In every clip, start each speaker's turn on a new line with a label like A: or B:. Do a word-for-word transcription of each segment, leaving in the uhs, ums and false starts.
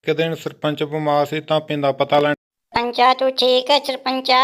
A: ਇੱਕ ਦਿਨ ਸਰਪੰਚ ਬਿਮਾਰ ਸੀ ਤਾਂ ਪਿੰਡ ਦਾ ਪਤਾ ਲੈਣ।
B: पंचा तू ठीक है सरपंचा?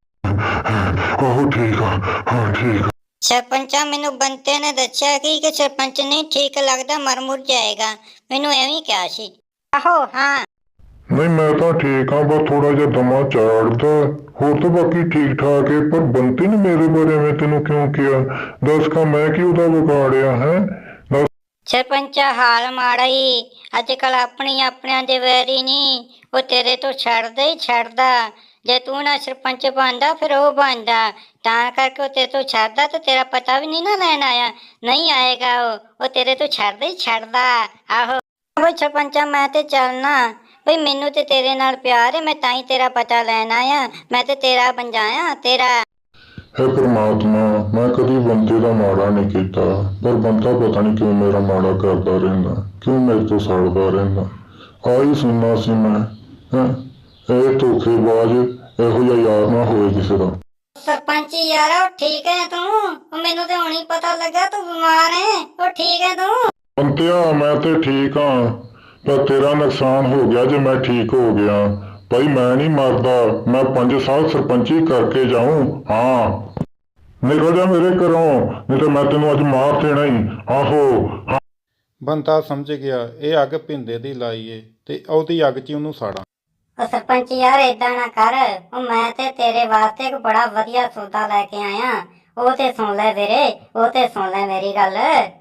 C: ਆਹੋ ਠੀਕ ਆ, ਹਾਂ ਠੀਕ ਆ।
B: सरपंचा मैनू बंते ने दस्या कि कि सरपंच नहीं ठीक लगता, मर मुर जाएगा। मैनू एवं कहा सी। आहो हाँ।
C: ਨਹੀਂ ਮੈਂ ਤਾਂ ਠੀਕ ਹਾਂ, ਬਸ ਥੋੜਾ ਜਿਹਾ ਦਮਾ ਚਾੜਦਾ, ਹੋਰ ਤਾਂ ਬਾਕੀ ਠੀਕ ਠਾਕ ਹੈ। ਪਰ ਬੰਤੇ ਨੇ ਮੇਰੇ ਬਾਰੇ ਐਵੇਂ ਤੈਨੂੰ ਕਿਉਂ ਕਿਹਾ? ਦੱਸ ਕਾ ਮੈਂ ਕੀ ਉਹਦਾ ਵਿਗਾੜਿਆ ਹੈ? ਦੱਸ।
B: सरपंचा हाल माड़ा ही अजकल अपनी अपने दे वैरी नहीं, वो तेरे तो छड़दा ही छड़दा। जे तू ना सरपंच बनदा फिर वो बनदा, तां करके वो तेरे तो छड़दा तो तेरा पता भी नहीं ना लैन आया। नहीं आएगा वो वो तेरे तो छड़दा ही छड़दा। आहो बई सरपंचा मैं ते चलना बई, मैनू ते तेरे नाल प्यार है, मैं ताई तेरा पता लैन आया। मैं ते तेरा बन जाया तेरा।
C: ਹੈ ਪ੍ਰਮਾਤਮਾ, ਮੈਂ ਕਦੀ ਬੰਦੇ ਦਾ ਮਾੜਾ ਨਹੀਂ ਕੀਤਾ, ਪਰ ਬੰਦਾ ਪਤਾ ਨਹੀਂ ਕਿਉਂ ਮੇਰਾ ਮਾੜਾ ਕਰਦਾ ਰਹਿੰਦਾ, ਕਿਉਂ ਮੇਰੇ ਤੋਂ ਸੜਦਾ ਰਹਿੰਦਾ। ਆਹੀ ਸੁਣਨਾ ਸੀ ਮੈਂ। ਹੈਂ ਇਹ ਧੋਖੇਬਾਜ਼ ਇਹੋ ਜਿਹਾ ਯਾਰ ਨਾ ਹੋਵੇ ਕਿਸੇ ਦਾ।
B: सरपंच यार ठीक है तू? मैनू तो हुणी पता लगा तू बीमार है। वो ठीक है तू?
C: ਬੰਤਿਆ ਮੈਂ ਤੇ ਠੀਕ ਹਾਂ, ਪਰ ਤੇਰਾ ਨੁਕਸਾਨ ਹੋ ਗਿਆ ਜੇ ਮੈਂ ਠੀਕ ਹੋ ਗਿਆ। ਭਾਈ ਮੈਂ ਨਹੀਂ ਮਰਦਾ, ਮੈਂ ਪੰਜ ਸਾਲ ਸਰਪੰਚੀ ਕਰਕੇ ਜਾਊਂ। ਹਾਂ ਨਿਕਲ ਜਾ ਮੇਰੇ ਘਰੋਂ, ਨਹੀਂ ਤਾਂ ਮੈਂ ਤੈਨੂੰ ਅੱਜ ਮਾਰ ਦੇਣਾ ਹੀ। ਆਹੋ ਹਾਂ।
A: ਬੰਤਾ ਸਮਝ ਗਿਆ ਇਹ ਅੱਗ ਪਿੰਦੇ ਦੀ ਲਾਈ ਏ ਤੇ ਉਹਦੀ ਅੱਗ 'ਚ ਹੀ ਉਹਨੂੰ ਸਾੜਾਂ।
B: ਉਹ ਸਰਪੰਚ ਯਾਰ ਏਦਾਂ ਨਾ ਕਰ, ਉਹ ਮੈਂ ਤੇ ਤੇਰੇ ਵਾਸਤੇ ਇੱਕ ਬੜਾ ਵਧੀਆ ਸੌਦਾ ਲੈ ਕੇ ਆਇਆ। ਉਹ ਤੇ ਸੁਣ ਲੈ ਵੀਰੇ, ਉਹ ਤੇ ਸੁਣ ਲੈ ਮੇਰੀ ਗੱਲ।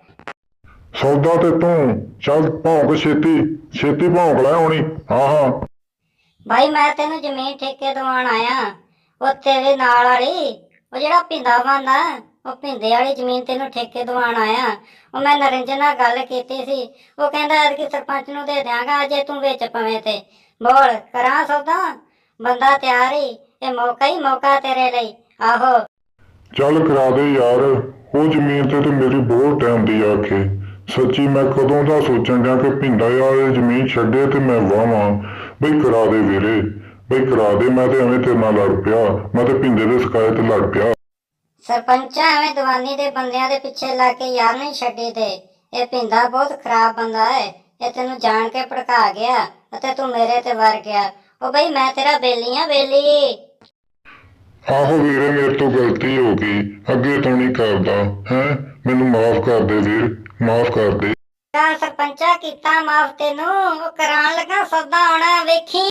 C: ਸੌਦਾ ਤੇ ਤੂੰ ਚੱਲ ਭੌਂਕ, ਛੇਤੀ ਛੇਤੀ ਭੌਂਕ ਲੈ ਆਉਣੀ। ਹਾਂ ਹਾਂ
B: ਭਾਈ ਮੈਂ ਤੈਨੂੰ ਜ਼ਮੀਨ ਠੇਕੇ ਦਵਾਉਣ ਆਇਆ, ਉਹ ਤੇਰੇ ਨਾਲ ਵਾਲੀ, ਉਹ ਜਿਹੜਾ ਪਿੰਦਾ ਬੰਦਾ, ਉਹ ਪਿੰਦੇ ਵਾਲੀ ਜ਼ਮੀਨ ਤੈਨੂੰ ਠੇਕੇ ਦਵਾਉਣ ਆਇਆ। ਉਹ ਮੈਂ ਨਰਿੰਜਨ ਨਾਲ ਗੱਲ ਕੀਤੀ ਸੀ, ਉਹ ਕਹਿੰਦਾ ਕਿ ਸਰਪੰਚ ਨੂੰ ਦੇ ਦਿਆਂਗਾ ਜੇ ਤੂੰ ਵਿੱਚ ਪਵੇਂ ਤੇ। ਬੋਲ ਕਰਾਂ ਸੌਦਾ? ਬੰਦਾ ਤਿਆਰ ਹੀ, ਇਹ ਮੌਕਾ ਹੀ ਮੌਕਾ ਤੇਰੇ ਲਈ। ਆਹੋ
C: ਚੱਲ ਕਰਾ ਦੇ ਯਾਰ, ਉਹ ਜ਼ਮੀਨ ਤੇ ਤੇ ਮੇਰੀ ਬਹੁਤ ਟਾਈਮ ਦੀ ਆਖੇ। ਸੱਚੀ ਮੈਂ ਕਦੋਂ ਦਾ ਸੋਚਣ ਡਿਆ ਕਿ ਪਿੰਡਾ ਵਾਲੀ ਜ਼ਮੀਨ ਛੱਡੇ ਤੇ ਮੈਂ ਵਾਵਾਂ। ਬਈ ਕਰਾ ਦੇ ਵੀਰੇ, ਬਈ ਕਰਾ ਦੇ। ਮੈਂ ਤੇ ਐਵੇਂ ਤੇਰੇ ਨਾਲ ਲੜ ਪਿਆ, ਮੈਂ ਤੇ ਪਿੰਡੇ ਦੇ ਸ਼ਿਕਾਇਤ ਤੇ ਲੜ ਪਿਆ।
B: ਸਰਪੰਚਾ ਐਵੇਂ ਦੀਵਾਨੀ ਦੇ ਬੰਦਿਆਂ ਦੇ ਪਿੱਛੇ ਲੱਗ ਕੇ ਯਾਰ ਨਹੀਂ ਛੱਡੀ ਤੇ। ਇਹ ਪਿੰਦਾ ਬਹੁਤ ਖਰਾਬ ਬੰਦਾ ਹੈ, ਇਹ ਤੈਨੂੰ ਜਾਣ ਕੇ ਭੜਕਾ ਗਿਆ ਅਤੇ ਤੂੰ ਮੇਰੇ ਤੇ ਵਰ ਗਿਆ। ਉਹ ਬਈ ਮੈਂ ਤੇਰਾ ਬੇਲੀ ਆ, ਬੇਲੀ।
C: ਆਹੋ ਵੀਰੇ ਮੇਰੇ ਤੋਂ ਗਲਤੀ ਹੋ ਗਈ, ਅੱਗੇ ਤੋਂ ਨਹੀਂ ਕਰਦਾ। ਹੈਂ ਮੈਨੂੰ ਮਾਫ ਕਰ ਦੇ ਵੀਰ, ਮਾਫ ਕਰ ਦੇ।
B: ਚੱਲ ਸਰਪੰਚਾ ਕੀਤਾ ਮਾਫ ਤੈਨੂੰ, ਉਹ ਕਰਾਉਣ ਲੱਗਾ ਸੌਦਾ ਆਉਣਾ ਵੇਖੀ।